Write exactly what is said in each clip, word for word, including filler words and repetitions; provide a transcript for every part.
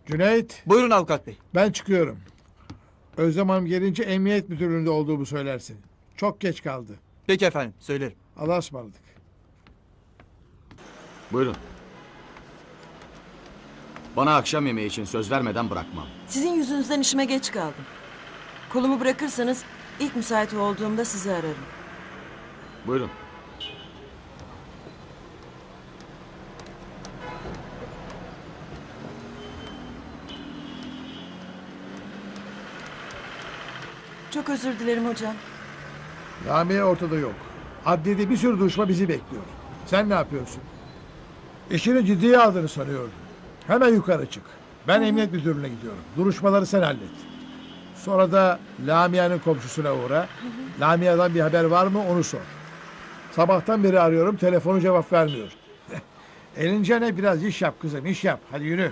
Cüneyt, Buyurun avukat bey. ben çıkıyorum. Özlem Hanım gelince emniyet müdürlüğünde olduğumu söylersin. Çok geç kaldı. Peki efendim, söylerim. Allah'a ısmarladık. Buyurun. Bana akşam yemeği için söz vermeden bırakmam. Sizin yüzünüzden işime geç kaldım. Kolumu bırakırsanız ilk müsait olduğumda sizi ararım. Buyurun. Çok özür dilerim hocam. Lamia ortada yok. Adliyede bir sürü duruşma bizi bekliyor. Sen ne yapıyorsun? İşini ciddiye aldığını sanıyordum. Hemen yukarı çık. Ben emniyet müdürlüğüne gidiyorum. Duruşmaları sen hallet. Sonra da Lamia'nın komşusuna uğra. Lamia'dan bir haber var mı onu sor. Sabahtan beri arıyorum, telefonu cevap vermiyor. Elince ne, biraz iş yap kızım, iş yap. Hadi yürü.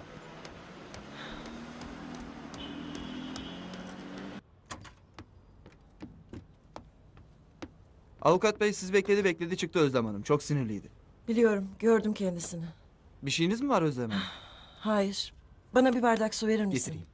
Avukat bey siz bekledi bekledi çıktı Özlem Hanım. Çok sinirliydi. Biliyorum, gördüm kendisini. Bir şeyiniz mi var Özlem Hanım? Hayır. Bana bir bardak su verir misin? Getireyim.